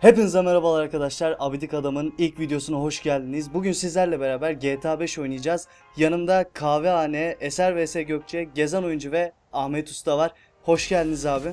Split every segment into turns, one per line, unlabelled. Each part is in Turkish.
Hepinize merhabalar arkadaşlar. Abidik Adam'ın ilk videosuna hoş geldiniz. Bugün sizlerle beraber GTA 5 oynayacağız. Yanımda Kahvehane, Eser vs Gökçe, Gezen Oyuncu ve Ahmet Usta var. Hoş geldiniz abi.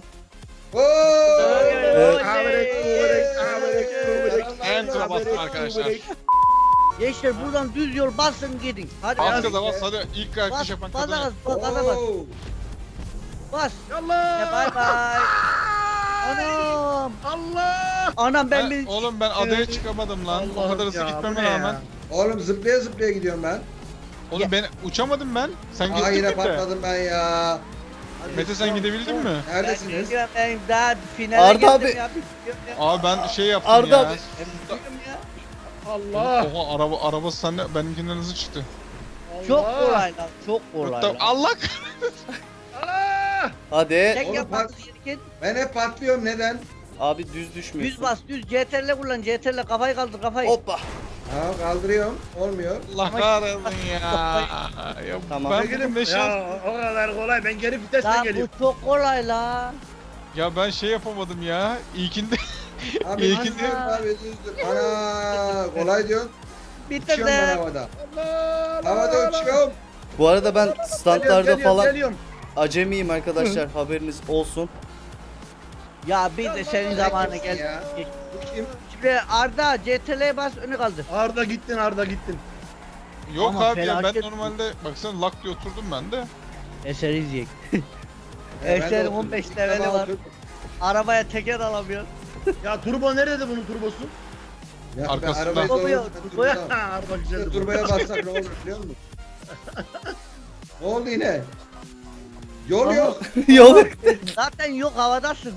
En tura bastım arkadaşlar.
Gençler buradan düz yol basın gidin. Hadi
Az
bas.
gaza bas hadi ilk
Bas,
kalkış yapan
bas,
kadın.
gaza bas. Bas.
Allah!
Bay bay. Anam.
Allah!
Anam ben
Oğlum ben adaya çıkamadım lan. O kadar hızlı gitmeme rağmen.
Oğlum zıplaya zıplaya gidiyorum ben.
Oğlum ben uçamadım ben. Sen
Aa
gittin
yine
mi?
patladım ben ya.
Mete sen gidebildin mi?
Neredesiniz?
Ben daha finale
Arda
geldim
abi.
ya. Bitiriyorum ya.
Abi ben şey yaptım
Arda
ya.
abi.
Bitiriyorum ya.
Allah!
Oha arabası sende benimkinden hızlı çıktı.
Çok kolay lan. Çok kolay
Hatta
lan.
Allah
Allah!
Hadi.
Tek
Oğlum,
yapmanız gereken
Ben hep patlıyorum neden?
Abi düz düşmüyorsun.
düz bas düz CTRL kullan CTRL kafayı kaldır kafayı.
Hoppa.
Ha kaldırıyorum. Olmuyor.
Allah kahretsin ya. Ya
Tamam.
ben ne şans.
Ya o kadar kolay, ben geri vitesle
Lan
geliyorum.
bu çok kolay lan.
Ya ben şey yapamadım ya. İlkinde
Abi
İyi
düzdür
ki-
abi düzdür. Ana kolay diyorsun. Uçuyorum ben
Bitirdim.
havada.
Allah!
Havada uçuyorum.
Bu arada ben standlarda falan
Geliyorum.
acemiyim arkadaşlar. Haberiniz olsun.
Ya bir de senin zamanı
Kimsin
geldi.
ya? Bu kim?
Şimdi Arda CTRL'ye bas önü kaldır.
Arda gittin, Arda gittin.
yok
Ama
abi ya ben
felaket-
normalde baksana lak diye oturdum ben de.
Eser izleyek.
Ben de
Eser'in
oturdum.
15
İlk
leveli
defa
var.
oturdum.
Arabaya teker alamıyor.
Ya turbo nerede bunun turbosu?
Ya ben
Arkasında.
arabayı
Turboya,
zorladım,
turboya.
turbodan.
Ha, Arda güzeldi bu.
Turbaya bassak ne olur biliyor musun? Ne oldu yine? Yol yok.
Yol.
Zaten yok havadasın.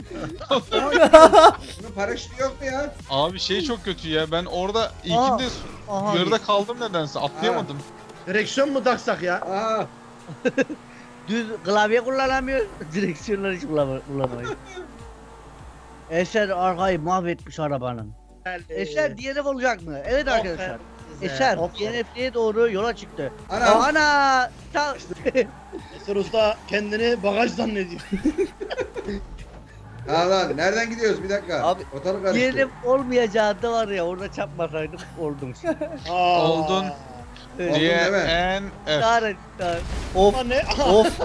Bunun paraşütü yok mu ya?
Abi şey çok kötü ya. Ben orada ilkinde
Aha.
yarıda kaldım nedense. Atlayamadım.
Direksiyon mu taksak ya?
Aa,
Düz klavye kullanamıyor. Direksiyonları hiç kullanamıyor. Eser arkayı mahvetmiş arabanın. Eser DNF olacak mı? Evet arkadaşlar. Eser DNF'ye doğru yola çıktı.
Ana.
Ana!
Eser Usta kendini bagaj zannediyor.
ha lan nereden gidiyoruz bir dakika.
Abi,
Ortalık karıştı.
DNF olmayacağı da var ya orada çarpmasaydım oldum.
Aa.
Oldun.
Evet.
Oldu.
D,
değil mi?
N, F.
Çağırın.
Of
Ulan ne?
of.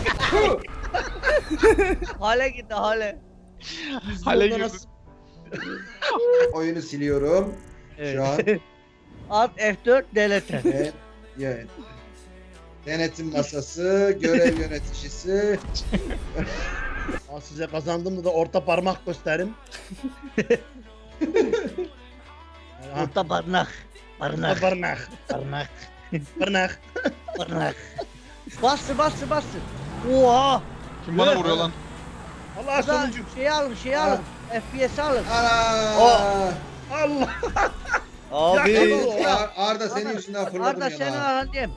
Hale gitti hale.
Hale
Yolda
girdin.
nasıl-
Oyunu siliyorum. Şu an.
Alt F4 delete.
Ve evet. Denetim masası, görev yöneticisi.
Aa, size kazandığımda da orta parmak gösterim. Ha,
Orta barınak.
orta
Barınak.
parmak.
Barınak.
Parmak.
Barınak. Bastır. Oha.
Kim bana vuruyor lan?
Allah
Burada
sonuncu.
şey alın. FPS alın.
Ana!
Allah.
Abi.
Arda senin yüzünden fırladım
Arda
ya.
seni alayım.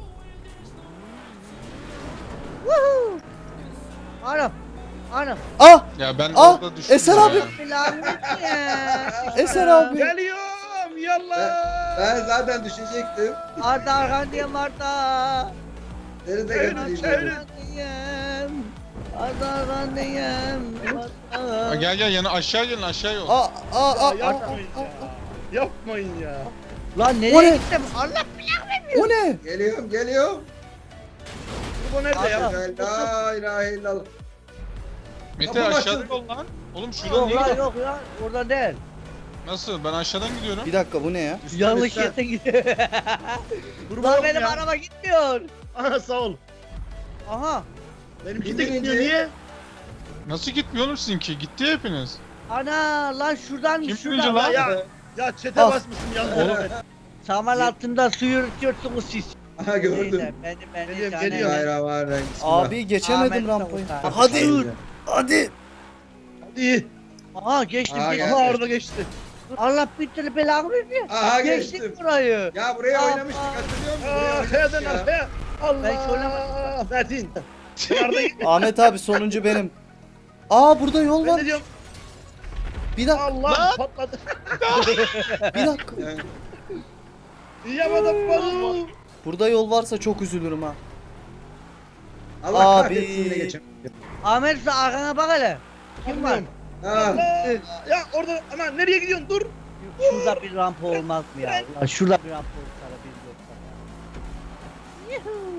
Woohoo. Anam.
Ah!
Ya ben
Ah,
orada düştüm
Eser
ya.
abi.
Lanet ya.
Eser abi.
Geliyorum. Yallah.
Ben zaten düşecektim.
Arda arkandayım Arda.
Seni de
Çevirin,
götüreyim.
çevirin.
dedim.
Arkandayım. Arda arkandayım.
Ha,
Arda.
gel yani aşağı gelin aşağı yol.
Aa.
Yapmayın ya. Yapmayın ya.
Lan
O
nereye
ne?
gittim? Allah
O ne?
Geliyorum.
Turbo nerede ya?
La ilahe illallah.
Mete
Kapı
aşağıda
açıldı.
yol lan. Oğlum şuradan
Yok
niye
lan
gidiyor?
yok ya. Oradan değil.
Nasıl? Ben aşağıdan gidiyorum.
Bir dakika bu ne ya?
Yanlış
üstten.
yere gidiyor.
Turbo
Lan
yok
benim
ya.
araba gitmiyor.
Aha sağ ol.
Aha.
Benimki de
Birinci.
gitmiyor niye?
Nasıl gitmiyor oğlum sizinki? Gitti hepiniz.
Ana lan şuradan
Kim
şuradan.
birinci lan?
Ya çete
Al.
basmışsın yazdı.
Saman altında su yürütüyorsunuz siz.
Aha gördüm.
Neyse, beni
Geliyorum,
sana-
geliyorum.
Bismillahirrahmanirrahim. Bismillah.
Abi geçemedim
Ahmet
rampayı.
Davut abi.
Hadi.
Dur.
Hadi.
İyi.
Aha geçtim
Aha,
geçtim.
Aha Arda geçti.
Allah bir türlü belanı vermiyor.
Aha
Geçtik
geçtim.
burayı.
Ya buraya
Aa,
oynamıştık hatırlıyor musun? Buraya
Aa,
oynamıştık
kayadan
ya.
arkaya.
Ben hiç
Allah. Metin. Arda gitti.
Ahmet abi sonuncu benim. Aa burada yol
Ben
var.
de diyorum
Bir dakika.
Allah patladı.
Bir dakika.
Yapamadım bunu.
Burada yol varsa çok üzülürüm ha.
Allah
Abi.
kahretsin yine geçemedim.
Ahmet sen arkana bak hele. Kim var?
Ha.
Ya orada ana nereye gidiyorsun? Dur.
Şurada bir rampa olmaz mı ya? Ulan şurada bir rampa olsa da biz yoksa ya. Yuhuu.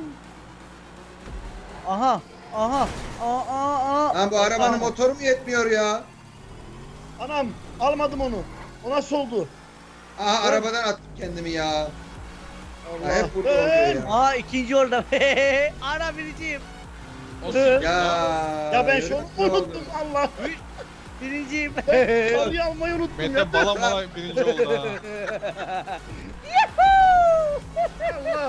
Aha. Aha. Aa.
Lan bu arabanın
Aha.
motoru mu yetmiyor ya?
Anam almadım onu. O nasıl oldu?
Aha arabadan attım kendimi ya.
Allah.
Ya hep burada oluyor ya.
Aa ikinci orada. Ana biriciyim.
Olsun.
Ya.
Ya ben
yürü
şunu
ne oldu?
unuttum Allah.
Birinciyim.
Sarıyı almayı unuttum
Mete
ya.
bala bala birinci oldu ha.
Allah.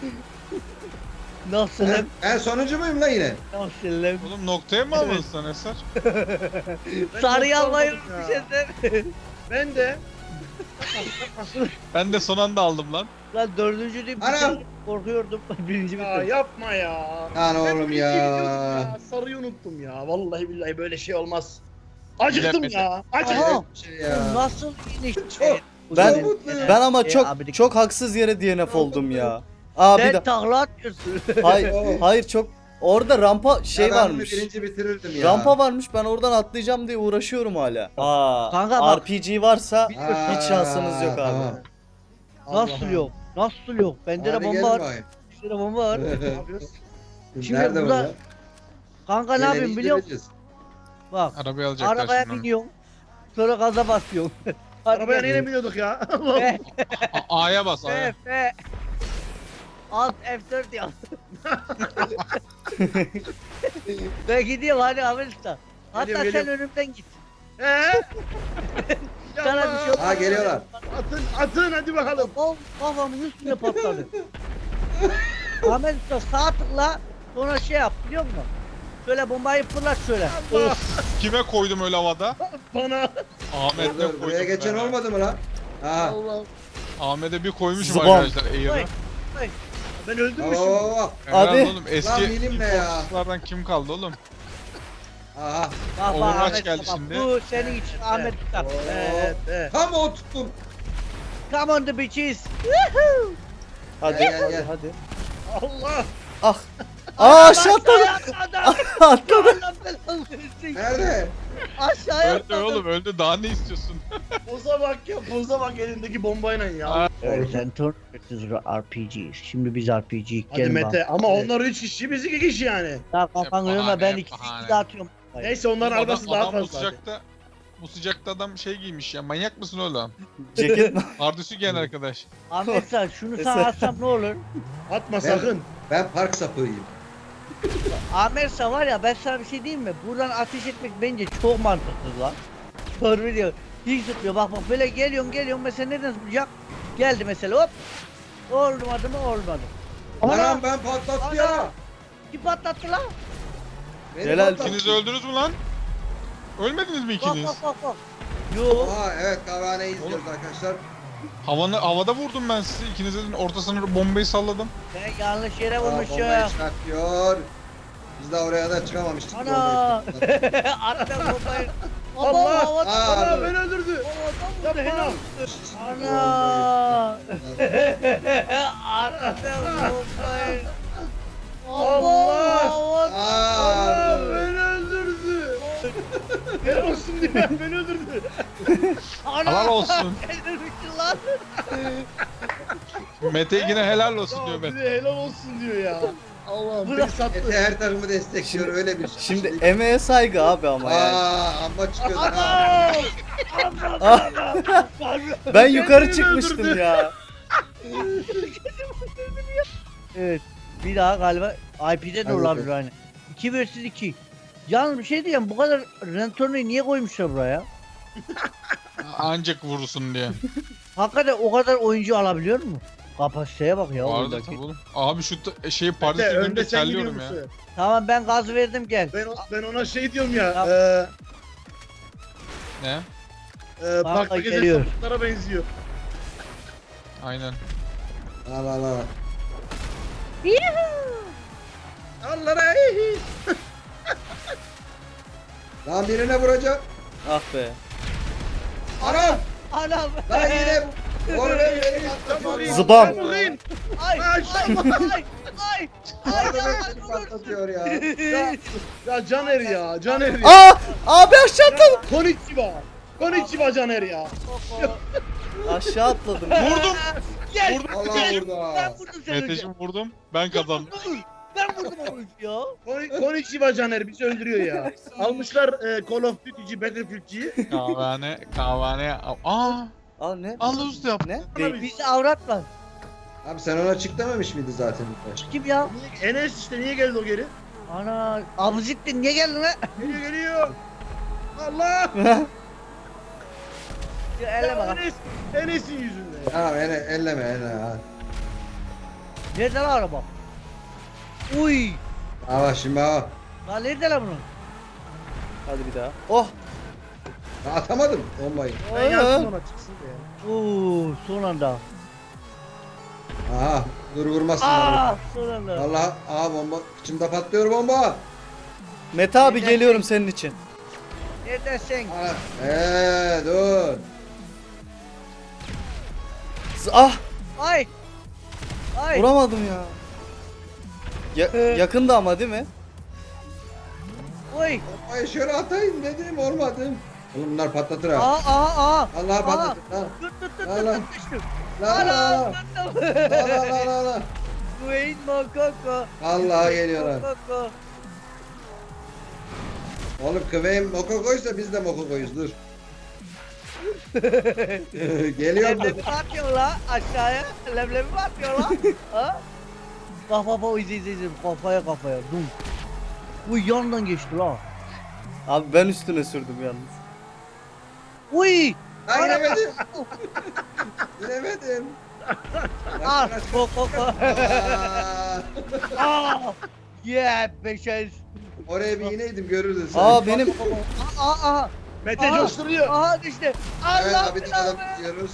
Nasılım?
Ben sonuncu muyum lan yine?
Nasılım?
Oğlum noktaya mı aldın sen Eser?
Sarıyı
çok
almayı
korkmadım
unutmuş
ya.
Eser.
Ben de.
Ben de son anda aldım lan.
Lan dördüncü değil.
Anam.
Korkuyordum. Birinci
Ya
bitirdim.
yapma ya.
Lan
Ben
oğlum
birinci
ya.
gidiyordum Sarıyı unuttum ya. Vallahi billahi böyle şey olmaz. Acıktım
Mete.
ya. Acıktım.
Aha.
Bir şey ya.
Nasıl iniş?
Çok-
Ben-
Çok mutluyum.
Ben ama
abi
çok haksız yere DNF oldum ya. Aa bir
sen
de
takla atıyorsun.
hayır çok orada rampa şey
Ya ben bunu
varmış.
birinci bitirirdim ya.
Rampa varmış, ben oradan atlayacağım diye uğraşıyorum hala.
Kanka bak.
RPG varsa
Aa,
hiç şansınız yok abi.
tamam.
Nasıl yok? Nasıl yok? Bende de
Hadi
bomba
gelin
var.
bakayım.
İşte de bomba var.
Ne yapıyorsun?
Şimdi
Nerede
burada-
burada?
Kanka ne yapayım biliyor musun? Bak.
Arabayı alacaklar
Arabaya
şimdi.
biniyorsun. Sonra gaza basıyorsun.
Arabaya neyle biniyorduk ya? Allah.
F,
A'ya bas A'ya.
F. Alt F4 yap. Ben gidiyorum hadi Ahmet Usta. Hatta
Geliyorum,
sen
geliyorum.
önümden git.
Sana
Sana bir şey olmaz.
Ha geliyorlar.
Atın hadi bakalım.
Kafamın üstüne patladı. Ahmet Usta sağ tıkla sonra şey yap biliyor musun? Şöyle bombayı fırlat şöyle.
Allah.
Kime koydum öyle havada?
Bana.
Ahmet'le
Dur,
koydum.
buraya geçen
ben ha.
olmadı mı lan? Ha.
Allah.
Ahmet'e bir koymuşum
Zıbam.
arkadaşlar Air'ı.
Vay.
Ben öldüm mü şimdi?
Oo.
Helal
Abi.
oğlum
Lan
eski
bilinme ya.
Infoslardan kim kaldı oğlum?
Aha.
Bak
Overwatch
bak Ahmet
geldi
Usta bak,
şimdi.
bu senin için Ahmet Usta.
Evet, evet.
Tam o tuttum.
Come on the bitches.
Hadi
Gel, gel.
hadi.
Allah.
Ah. Aa aşağı atladı.
Atladı.
Atladı.
Allah belanı versin.
Nerede?
Aşağıya
Öldü
atladı.
oğlum öldü daha ne istiyorsun?
Boza bak ya. Boza bak elindeki bombayla ya.
Aa.
Center RPG'yiz. Şimdi biz RPG.
Hadi Mete ama onlar 3 kişi biz 2 kişi yani.
Daha kafanı
Hep
yorma ben
bahane,
2
bahane.
de atıyorum.
Neyse onların
Adam-
arabası daha
adam
fazla.
bu sıcakta adam şey giymiş ya manyak mısın oğlum?
Ceket mi?
Pardüsü giyen arkadaş.
Ahmet sen şunu sana atsam ne olur?
Atma sakın.
Ben park sapığıyım.
Ahmet sen var ya ben sana bir şey diyeyim mi? Buradan ateş etmek bence çok mantıklı lan. Doğru diyor. Hiç tutmuyor. Bak böyle geliyorsun mesela nereden tutacak? Geldi mesela hop. Olmadı mı olmadı.
Anam ben patlattı ya.
Kim patlattı lan?
Beni
Helal.
patlattı.
İkiniz öldünüz mü lan? Ölmediniz mi
Bak
ikiniz?
bak. Yo.
Aa evet kahvehaneyi izliyoruz arkadaşlar.
Havada vurdum ben sizi. İkinizin ortasına bombayı salladım.
Ben yanlış yere
Aa,
vurmuşum.
bombayı çıkartıyor. Biz de oraya da çıkamamıştık.
Ana.
bombayı çıkarttık.
Attım bombayı.
Allah.
Havada.
Aa,
Ana
dur.
beni öldürdü.
Havada vurdu, helal.
Bombayı-
Ana. Attım bombayı.
Allah.
Aa,
Ana
dur.
beni öldürdü. Helal olsun diye beni öldürdü.
Helal olsun.
Öldürmüşsün lan.
Mete yine helal olsun diyor
Ya bir
Mete.
de helal olsun diyor ya. Allah'ım beni sattı.
Mete her takımı destekliyor öyle bir şey.
Şimdi emeğe saygı abi ama yani.
Amma çıkıyordu ha.
Ben yukarı
Beni
çıkmıştım
öldürdü.
ya.
Evet. Bir daha galiba IP'de de
Hadi
olabilir aynı. 2 vs 2. Yalnız bir şey diyeyim bu kadar Rentorno'yu niye koymuşlar buraya?
Ancak vurursun diye.
Hakikaten o kadar oyuncu alabiliyor mu? Kapasiteye bak ya.
Vardı
oradaki.
tabii oğlum. Abi şu şeyi
Mete
pardüsü
önde
önünde
sen gidiyor
terliyorum ya.
musun?
Tamam ben gaz verdim gel.
Ben ona şey diyorum ya.
Tamam.
Ne?
Parkta
geliyor.
gezen sapıklara benziyor.
Aynen.
Al al al.
Allah'a
Lan birine vuracağım.
Ah be.
Anam.
Anam.
Lan yine. Oraya beni
Sen vurayım.
Zıbam.
sen vurayım.
Ay ay ay Ay.
Yardım et beni patlatıyor ya.
Ya Caner ya. Caner ya.
Aa! Abi aşağı atladım.
Konnichiwa. Konnichiwa Caner ya.
Aşağı atladım.
Vurdum.
Gel.
Vurdum.
Allah
Ben
burada.
vurdum seni önce.
Meteşim vurdum. Ben kazandım.
Ben vurdum onu ya.
Konnichiwa Caner bizi öldürüyor ya. Almışlar Call of Duty'ci, Battlefield'ciyi.
Kahvane. Aa.
Aa ne?
Allah usta yaptı.
Ne?
Bizi avrat var.
Abi sen ona çık dememiş miydi zaten?
Kim ya?
Enes işte niye geldi o geri?
Ana abuzittin niye geldin lan?
Geliyor. Allah!
Ya elle bak.
Enes'in yüzünden.
Tamam elleme ha.
Nerede lan araba? Uy.
Bak şimdi bak.
Lan nerede lan bunun?
Hadi bir daha. Oh!
Ya atamadım bombayı.
Ben yazdım ona çıksın diye.
Son anda.
Aha dur vurmasınlar.
Son anda.
Allah bomba içimde patlıyor bomba.
Mete abi geliyorum senin için.
Neredesin?
Dur.
Ah!
Ay. Ay.
Vuramadım ya. Yakında ama değil mi?
Uy.
Bombayı şöyle atayım dedim olmadı. Oğlum bunlar patlatır ha.
Aa.
Allah patlatır lan.
Tut.
Allah.
Düştüm.
La. La.
Dwayne Mokoko.
Vallahi geliyorlar.
Mokoko.
Oğlum kıvayım mokokoysa biz de mokokoyuz dur. Geliyor mu?
Leblebi mi atıyor la aşağıya? Leblebi mi atıyor la? Ha? Bak izle kafaya dum. Bu yandan geçti la.
Abi ben üstüne sürdüm yalnız.
Uy.
Ben inemedim. İnemedim.
Al koko.
Aa,
Yeah beşez.
Oraya bir ineydim görürdün sen.
Aa benim
Aa.
Mete
Aa.
coşturuyor.
Aha düştü.
Evet
Allah
abi de adam
belanı.
tutuyoruz.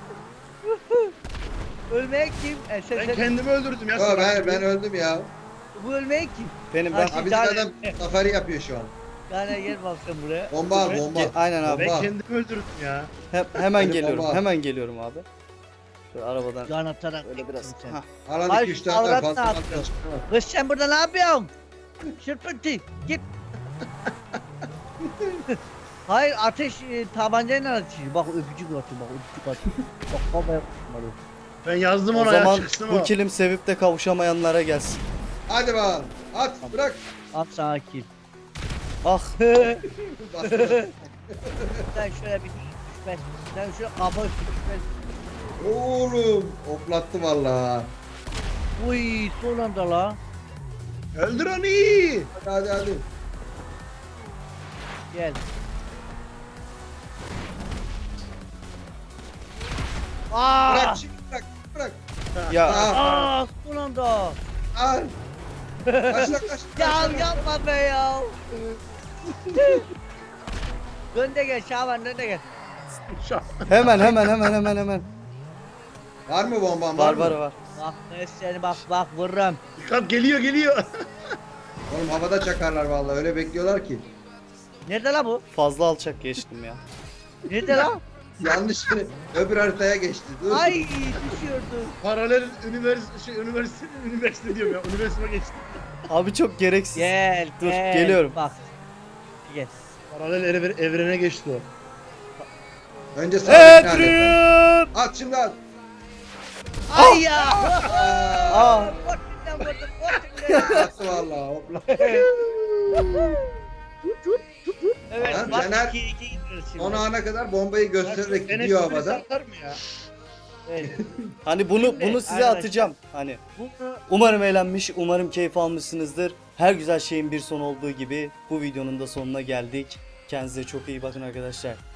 Ölmek kim?
Ben kendimi öldürdüm ya.
Yo, ben öldüm ya.
Bu ölmek kim?
benim
Ay,
ben.
Abi de adam safari yapıyor şu an.
Yani gel bak sen buraya.
Bomba al bomba.
Aynen abi.
Ben
Bak.
kendimi öldürdüm ya.
Hemen
Benim
geliyorum.
baba.
Hemen geliyorum abi. Şöyle arabadan
Can atarak
öyle biraz.
sen.
Hah.
Alan
Ay,
2-3 tane
avrat
fazla
ne yapıyor?
fazla çıkıyor.
Kız sen burada ne yapıyorsun? Şırpıntı git. Hayır ateş tabancayla atıyor. Bak öpücük atıyor bak. Bak kafaya atmadı.
Ben yazdım
O
ona ya
zaman
çıksın
bu
o.
kilim sevip de kavuşamayanlara gelsin.
Hadi bakalım. At bırak.
At sakin.
Ah!
Bastır.
Sen şöyle bir düşmez. Sen şöyle kafa üstü düşmez.
Oğlum oplattı vallahi.
Uy son anda la.
Öldür onu.
Hadi.
Gel. Aa!
Bırak şimdi bırak.
Ya
Aa son anda.
Al. Kaç.
Ya yapma be ya. Dön de gel Şaban dön de gel.
hemen.
Var mı bomban
Var
mı?
var.
Bak ben seni bak vururum.
Dikkat geliyor.
Oğlum havada çakarlar vallahi öyle bekliyorlar ki.
Nerede la bu?
Fazla alçak geçtim ya.
Nerede la?
Yanlış öbür haritaya geçti. Dur.
Ay düşüyordu.
Paralel üniversite diyorum ya. Üniversiteme geçtim.
Abi çok gereksiz.
Gel
Dur,
gel.
geliyorum.
Bak. Gel.
Paralel evrene geçti o.
Önce sağ bir tane.
Edrin!
At şimdi at.
Ay ya.
Aa!
Korktum korktum.
Attı vallahi hopla.
Evet
Lan
bak
Caner,
2-2 gidiyoruz şimdi.
Son ana kadar bombayı göstererek
Enes
gidiyor
birisi
havada.
atar mı ya?
Evet.
Hani bunu size
Arkadaşlar.
atacağım. Hani
Bunu
umarım eğlenmiş, umarım keyif almışsınızdır. Her güzel şeyin bir son olduğu gibi bu videonun da sonuna geldik. Kendinize çok iyi bakın arkadaşlar.